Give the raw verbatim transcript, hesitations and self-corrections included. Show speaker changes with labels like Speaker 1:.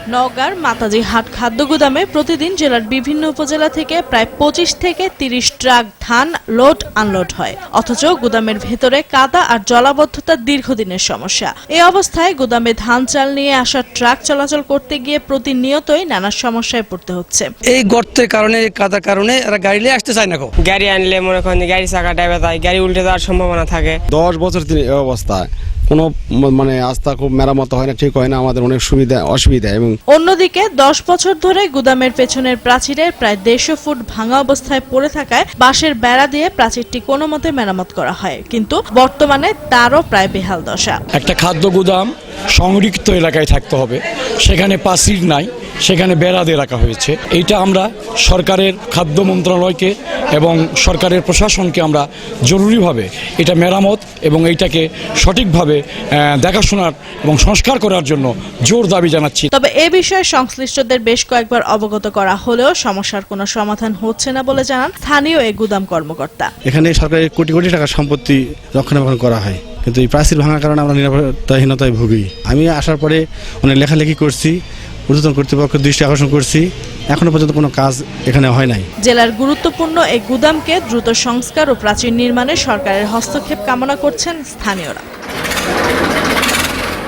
Speaker 1: নওগাঁর মাতাজি হাট খাদ্য গুদামে প্রতিদিন জেলার বিভিন্ন উপজেলা থেকে প্রায় পঁচিশ থেকে তিরিশ ট্রাক ধান লোড আনলোড হয়, অথচ গুদামের ভেতরে কাদা আর জলাবদ্ধতা দীর্ঘদিনের সমস্যা। এই অবস্থায় গুদামে ধান চাল নিয়ে আসা ট্রাক চলাচল করতে গিয়ে প্রতিনিয়তই নানা সমস্যায় পড়তে হচ্ছে।
Speaker 2: এই গর্তের কারণে, কাদার কারণে এরা গাড়ি নিয়ে আসতে চায় না।
Speaker 3: গাড়ি আনলে মনে করেন গাড়ি চাকা ড্রাইভার যায়, গাড়ি উল্টে যাওয়ার সম্ভাবনা থাকে।
Speaker 4: দশ বছর তিনি এই অবস্থায় কোনো মানে আস্থা খুব মেরামত হয় না, ঠিক হয় না, আমাদের অনেক সুবিধা অসুবিধা। এবং
Speaker 1: অন্যদিকে দশ বছর ধরে গুদামের পেছনের প্রাচীরে প্রায় দেড়শো ফুট ভাঙা অবস্থায় পড়ে থাকায় বাঁশের বেড়া দিয়ে প্রাচীরটি কোনো মতে মেরামত করা হয়, কিন্তু বর্তমানে তারও প্রায় বেহাল দশা।
Speaker 5: একটা খাদ্য গুদাম সংরক্ষিত এলাকায় থাকতে হবে, সেখানে প্রাচীর নাই, সেখানে বেড়া দিয়ে রাখা হয়েছে। এইটা আমরা সরকারের খাদ্য মন্ত্রণালয়কে এবং সরকারের প্রশাসনকে আমরা জরুরিভাবে এটা মেরামত এবং এইটাকে সঠিকভাবে দেখাশোনার এবং সংস্কার করার জন্য জোর দাবি জানাচ্ছি।
Speaker 1: তবে এ বিষয়ে সংশ্লিষ্টদের বেশ কয়েকবার অবগত করা হলেও সমস্যার কোনো সমাধান হচ্ছে না বলে জানান স্থানীয় এই গুদাম কর্মকর্তা।
Speaker 6: এখানে সরকারের কোটি কোটি টাকার সম্পত্তি রক্ষণাবেক্ষণ করা হয়, কিন্তু এই প্রাচীর ভাঙার কারণে আমরা নিরাপত্তাহীনতায় ভুগি। আমি আসার পরে অনেক লেখালেখি করছি, ঊর্ধ্বতন কর্তৃপক্ষের দৃষ্টি আকর্ষণ করছি, এখনো পর্যন্ত কোনো কাজ এখানে হয় নাই।
Speaker 1: জেলার গুরুত্বপূর্ণ এই গুদামকে দ্রুত সংস্কার ও প্রাচীর নির্মাণে সরকারের হস্তক্ষেপ কামনা করছেন স্থানীয়রা।